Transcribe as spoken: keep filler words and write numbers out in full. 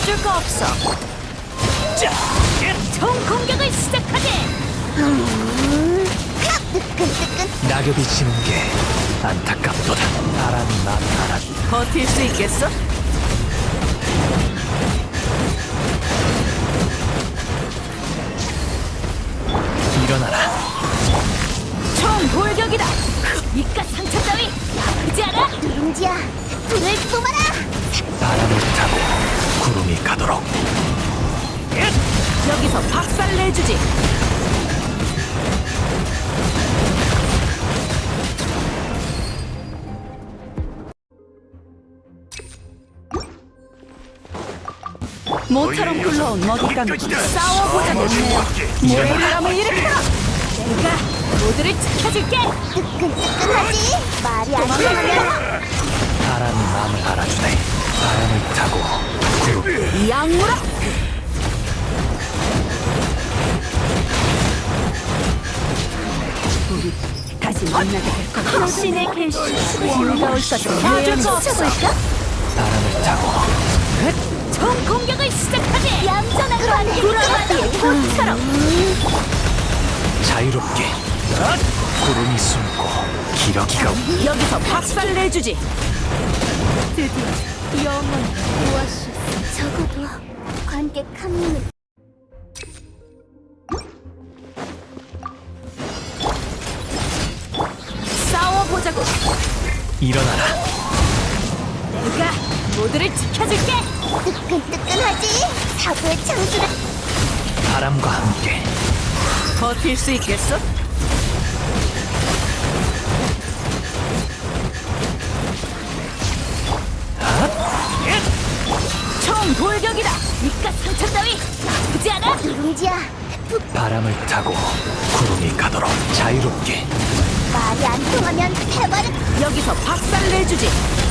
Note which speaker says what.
Speaker 1: 도와줄 거 없어. 자, 총 공격을 시작하게.
Speaker 2: 뜨끈뜨끈.
Speaker 3: 낙엽이 지는 게 안타깝도다. 바람이 마음을 알아.
Speaker 1: 버틸 수 있겠어?
Speaker 3: 일어나라.
Speaker 1: 총 돌격이다. 이깟 상처 따위 아프지 않아?
Speaker 2: 누룽지야, 불을 뿜어라.
Speaker 3: 바람을 타고 구름이 가도록.
Speaker 1: 여기서 박살 내주지. 모처럼 굴러온 먹잇감이 싸워보자. 됐네요. 모래바람을 일으켜. 내가 모두를 지켜줄게.
Speaker 2: 뜨끈뜨끈하지? 말이 안 통하면
Speaker 3: 바람이 마음을 알아주네. 바람을 타고 구름.
Speaker 1: 이 악물어. 우리 다시 만나게 될 거다. 당신의 계시 즐거울 것을
Speaker 2: 나좀
Speaker 1: 예언
Speaker 2: 훔쳐볼까?
Speaker 3: 바람을 타고
Speaker 1: 총 공격을 시작하게.
Speaker 2: 얌전한 건
Speaker 1: 돌아가는 꽃처럼.
Speaker 3: 자유롭게. 구름이 숨고 기러기가
Speaker 1: 여기서 박살 내주지.
Speaker 2: 드디어 영원 오아시스. 적어도 관객 한 명은
Speaker 1: 싸워보자고.
Speaker 3: 일어나라.
Speaker 1: 내가 모두를 지켜줄게.
Speaker 2: 뜨끈뜨끈하지? 사고의 창수를
Speaker 3: 바람과 함께
Speaker 1: 버틸 수 있겠어? 총 돌격이다. 이깟 상처 따위 아프지 않아?
Speaker 2: 누룽지야,
Speaker 3: 바람을 타고 구름이 가도록 자유롭게.
Speaker 2: 말이 안 통하면 해바를
Speaker 1: 여기서 박살 내주지.